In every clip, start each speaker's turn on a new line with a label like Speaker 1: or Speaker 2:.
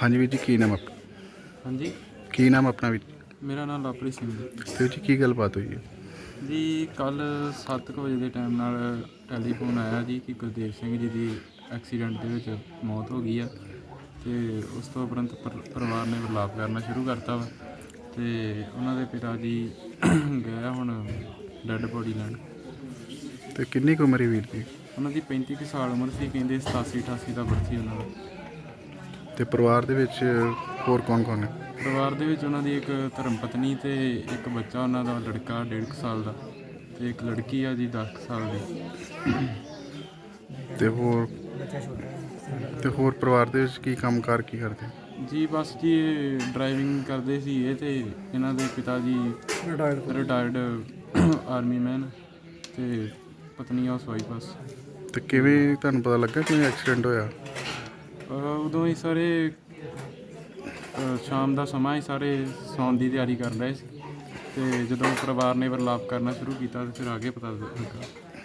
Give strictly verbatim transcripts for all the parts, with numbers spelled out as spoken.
Speaker 1: ਹਾਂਜੀ ਵੀਰ ਜੀ, ਕੀ ਨਾਮ ਆਪਣਾ?
Speaker 2: ਹਾਂਜੀ,
Speaker 1: ਕੀ ਨਾਮ ਆਪਣਾ ਵੀਰ ਜੀ?
Speaker 2: ਮੇਰਾ ਨਾਮ ਲਵਪ੍ਰੀਤ ਸਿੰਘ ਜੀ।
Speaker 1: ਤੇ ਵੀਰ ਜੀ ਕੀ ਗੱਲਬਾਤ ਹੋਈ ਹੈ?
Speaker 2: ਜੀ ਕੱਲ੍ਹ ਸੱਤ ਕੁ ਵਜੇ ਦੇ ਟਾਈਮ ਨਾਲ ਟੈਲੀਫੋਨ ਆਇਆ ਜੀ ਕਿ ਗੁਰਦੇਵ ਸਿੰਘ ਜੀ ਦੀ ਐਕਸੀਡੈਂਟ ਦੇ ਵਿੱਚ ਮੌਤ ਹੋ ਗਈ ਆ। ਅਤੇ ਉਸ ਤੋਂ ਉਪਰੰਤ ਪਰ ਪਰਿਵਾਰ ਨੇ ਵਿਰਲਾਪ ਕਰਨਾ ਸ਼ੁਰੂ ਕਰਤਾ ਵਾ। ਅਤੇ ਉਹਨਾਂ ਦੇ ਪਿਤਾ ਜੀ ਗਏ ਆ ਹੁਣ ਡੈੱਡ ਬੋਡੀ ਲੈਣ।
Speaker 1: ਤੇ ਕਿੰਨੀ ਕੁ ਉਮਰ ਹੈ ਵੀਰ ਜੀ?
Speaker 2: ਉਹਨਾਂ ਦੀ ਪੈਂਤੀ ਕੁ ਸਾਲ ਉਮਰ ਸੀ, ਕਹਿੰਦੇ ਸਤਾਸੀ ਅਠਾਸੀ ਦਾ ਬਰਥ ਸੀ ਉਹਨਾਂ ਦਾ।
Speaker 1: ਤੇ ਪਰਿਵਾਰ ਦੇ ਵਿੱਚ ਹੋਰ ਕੌਣ ਕੌਣ ਹੈ?
Speaker 2: ਪਰਿਵਾਰ ਦੇ ਵਿੱਚ ਉਹਨਾਂ ਦੀ ਇੱਕ ਧਰਮ ਪਤਨੀ ਅਤੇ ਇੱਕ ਬੱਚਾ ਉਹਨਾਂ ਦਾ ਲੜਕਾ ਡੇਢ ਕੁ ਸਾਲ ਦਾ, ਅਤੇ ਇੱਕ ਲੜਕੀ ਆ ਜੀ ਦਸ ਕੁ ਸਾਲ ਦੀ।
Speaker 1: ਤੇ ਹੋਰ ਤੇ ਹੋਰ ਪਰਿਵਾਰ ਦੇ ਵਿੱਚ ਕੀ ਕੰਮ ਕਾਰ ਕੀ ਕਰਦੇ?
Speaker 2: ਜੀ ਬਸ ਜੀ ਇਹ ਡਰਾਈਵਿੰਗ ਕਰਦੇ ਸੀ ਇਹ, ਅਤੇ ਇਹਨਾਂ ਦੇ ਪਿਤਾ ਜੀ ਰਿਟਾਇਰਡ ਆਰਮੀ ਮੈਨ ਅਤੇ ਪਤਨੀ ਹਾਊਸ ਵਾਈਫ ਬਸ।
Speaker 1: ਤੇ ਕਿਵੇਂ ਤੁਹਾਨੂੰ ਪਤਾ ਲੱਗਾ ਕਿਵੇਂ ਐਕਸੀਡੈਂਟ ਹੋਇਆ?
Speaker 2: ਉਦੋਂ ਹੀ ਸਾਰੇ ਸ਼ਾਮ ਦਾ ਸਮਾਂ ਹੀ ਸਾਰੇ ਸੌਣ ਦੀ ਤਿਆਰੀ ਕਰ ਰਹੇ ਸੀ, ਅਤੇ ਜਦੋਂ ਪਰਿਵਾਰ ਨੇ ਵਿਰਲਾਪ ਕਰਨਾ ਸ਼ੁਰੂ ਕੀਤਾ ਤਾਂ ਫਿਰ ਆ ਕੇ ਪਤਾ ਲੱਗਾ।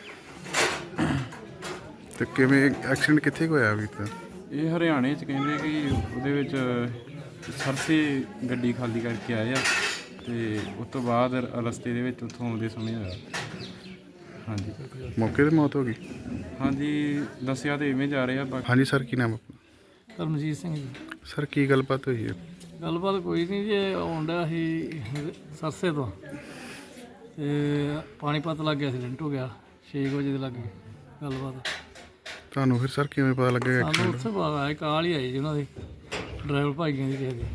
Speaker 1: ਤੇ ਕਿਵੇਂ ਐਕਸੀਡੈਂਟ ਕਿੱਥੇ ਕੁ ਹੋਇਆ ਵੀਰ ਦਾ?
Speaker 2: ਇਹ ਹਰਿਆਣੇ 'ਚ ਕਹਿੰਦੇ ਕਿ ਉਹਦੇ ਵਿੱਚ ਸਰਸੇ ਗੱਡੀ ਖਾਲੀ ਕਰਕੇ ਆਏ ਆ, ਅਤੇ ਉਸ ਤੋਂ ਬਾਅਦ ਰਸਤੇ ਦੇ ਵਿੱਚ ਉੱਥੋਂ ਆਉਂਦੇ ਸਮੇਂ ਹੋਇਆ। ਹਾਂਜੀ,
Speaker 1: ਮੌਕੇ 'ਤੇ ਮੌਤ ਹੋ ਗਈ?
Speaker 2: ਹਾਂਜੀ ਦੱਸਿਆ ਤਾਂ ਇਵੇਂ ਜਾ ਰਹੇ ਆ ਬਾਕੀ।
Speaker 1: ਹਾਂਜੀ ਸਰ, ਕੀ ਨਾਮ ਆਪਣਾ?
Speaker 3: ਰਣਜੀਤ ਸਿੰਘ ਜੀ।
Speaker 1: ਸਰ ਕੀ ਗੱਲਬਾਤ ਹੋਈ ਹੈ?
Speaker 3: ਗੱਲਬਾਤ ਕੋਈ ਨਹੀਂ ਜੀ, ਆਉਣ ਡਿਆ ਸੀ ਸਰਸੇ ਤੋਂ, ਅਤੇ ਪਾਣੀਪਤ ਲਾਗੇ ਐਕਸੀਡੈਂਟ ਹੋ ਗਿਆ ਛੇ ਕੁ ਵਜੇ ਦੇ ਲਾਗੇ। ਗੱਲਬਾਤ
Speaker 1: ਤੁਹਾਨੂੰ ਫਿਰ ਸਰ ਕਿਵੇਂ ਪਤਾ ਲੱਗਿਆ
Speaker 3: ਸਾਨੂੰ
Speaker 1: ਐਕਸੀਡੈਂਟ?
Speaker 3: ਉੱਥੇ ਬਾਅਦ ਆਏ, ਕਾਲ ਹੀ ਆਈ ਜੀ ਉਹਨਾਂ ਦੀ ਡਰਾਈਵਰ ਭਾਈਆਂ ਦੀ ਕਿਸੇ ਦੀ।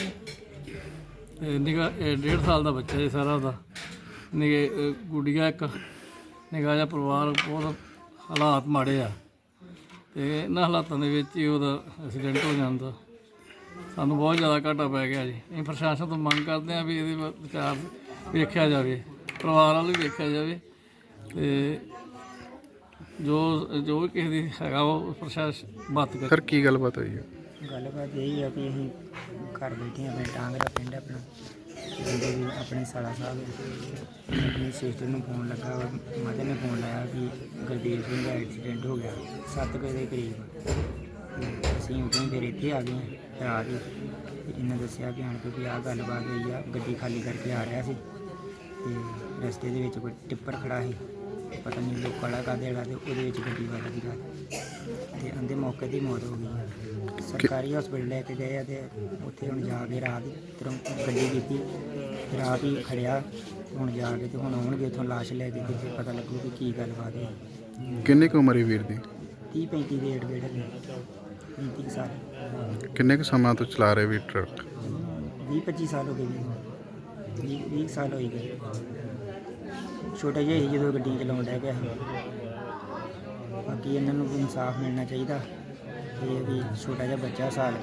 Speaker 3: ਅਤੇ ਨਿੱਘਾ ਡੇਢ ਸਾਲ ਦਾ ਬੱਚਾ ਜੀ ਸਾਰਾ ਉਹਦਾ, ਨਿੱਘੇ ਗੁੱਡੀਆ ਇੱਕ ਨਿੱਘਾ ਜਿਹਾ ਪਰਿਵਾਰ। ਬਹੁਤ ਹਾਲਾਤ ਮਾੜੇ ਆ, ਅਤੇ ਇਹਨਾਂ ਹਾਲਾਤਾਂ ਦੇ ਵਿੱਚ ਹੀ ਉਹਦਾ ਐਕਸੀਡੈਂਟ ਹੋ ਜਾਂਦਾ। ਸਾਨੂੰ ਬਹੁਤ ਜ਼ਿਆਦਾ ਘਾਟਾ ਪੈ ਗਿਆ ਜੀ। ਅਸੀਂ ਪ੍ਰਸ਼ਾਸਨ ਤੋਂ ਮੰਗ ਕਰਦੇ ਹਾਂ ਵੀ ਇਹਦੇ ਵਿਚਾਰ ਵੇਖਿਆ ਜਾਵੇ, ਪਰਿਵਾਰ ਵੱਲ ਵੀ ਵੇਖਿਆ ਜਾਵੇ, ਅਤੇ ਜੋ ਜੋ ਵੀ ਕਿਸੇ ਦੀ ਹੈਗਾ ਉਹ ਪ੍ਰਸ਼ਾਸਨ ਬਾਤ ਕਰੇ।
Speaker 1: ਸਰ ਕੀ ਗੱਲਬਾਤ ਹੋਈ ਹੈ?
Speaker 4: ਗੱਲਬਾਤ ਇਹੀ ਆ ਕਿ ਅਸੀਂ ਘਰ ਬੈਠੇ ਆਪਣੇ ਟਾਂਗ ਦਾ ਪਿੰਡ ਆਪਣਾ ਬੰਦੇ ਵੀ ਆਪਣੇ ਸਾਲਾ ਸਾਹਿਬ ਆਪਣੀ ਸਿਸਟਰ ਨੂੰ ਫੋਨ ਲੱਗਾ, ਮਦਰ ਨੇ ਫੋਨ ਲਾਇਆ ਕਿ ਗੁਰਦੇਵ ਸਿੰਘ ਦਾ ਐਕਸੀਡੈਂਟ ਹੋ ਗਿਆ ਸੱਤ ਕੁ ਦੇ ਕਰੀਬ। ਅਸੀਂ ਉਦੋਂ ਫਿਰ ਇੱਥੇ ਆ ਗਏ ਰਾਤ ਹੀ। ਇਹਨਾਂ ਦੱਸਿਆ ਕਿ ਆਣ ਕੇ ਵੀ ਆਹ ਗੱਲਬਾਤ ਹੋਈ ਆ, ਗੱਡੀ ਖਾਲੀ ਕਰਕੇ ਆ ਰਿਹਾ ਸੀ ਅਤੇ ਰਸਤੇ ਦੇ ਵਿੱਚ ਕੋਈ ਟਿੱਪਰ ਖੜਾ ਸੀ, ਪਤਾ ਨਹੀਂ ਲੋਕ ਕਾਲਾ ਕਾਹਦੇ ਵਾਲਾ, ਅਤੇ ਉਹਦੇ ਵਿੱਚ ਗੱਡੀ ਵਾਲਾ ਸੀਗਾ, ਅਤੇ ਉਹਦੇ ਮੌਕੇ 'ਤੇ ਮੌਤ ਹੋ ਗਈ। ਸਰਕਾਰੀ ਹਸਪੀਟਲ ਲੈ ਕੇ ਗਏ ਆ, ਅਤੇ ਉੱਥੇ ਹੁਣ ਜਾ ਕੇ ਰਾਤ ਤੁਰੰਤ ਗੱਡੀ ਕੀਤੀ, ਰਾਤ ਹੀ ਖੜਿਆ। ਹੁਣ ਜਾ ਕੇ ਅਤੇ ਹੁਣ ਆਉਣਗੇ ਉੱਥੋਂ ਲਾਸ਼ ਲੈ ਕੇ, ਅਤੇ ਫਿਰ ਪਤਾ ਲੱਗੂ ਕਿ ਕੀ ਗੱਲਬਾਤ ਹੈ।
Speaker 1: ਕਿੰਨੀ ਕੁ ਉਮਰ ਹੈ ਵੀਰ ਦੀ?
Speaker 4: ਤੀਹ ਪੈਂਤੀ ਦੇ ਏਡ ਗੇੜ ਪੈਂਤੀ ਕੁ ਸਾਲ।
Speaker 1: ਕਿੰਨੇ ਕੁ ਸਮਾਂ ਤੋਂ ਚਲਾ ਰਹੇ ਵੀਰ ਟਰੱਕ?
Speaker 4: ਵੀਹ ਪੱਚੀ ਸਾਲ ਹੋ ਗਏ ਜੀ, ਵੀਹ ਵੀਹ ਸਾਲ ਹੋਈ ਗਏ। ਛੋਟਾ ਜਿਹਾ ਸੀ ਜਦੋਂ ਗੱਡੀਆਂ ਚਲਾਉਣ ਡਿਆ ਪਿਆ ਸੀ। ਬਾਕੀ ਇਹਨਾਂ ਨੂੰ ਇਨਸਾਫ ਮਿਲਣਾ ਚਾਹੀਦਾ। ਇਹ ਵੀ ਛੋਟਾ ਜਿਹਾ ਬੱਚਾ ਸਾਲ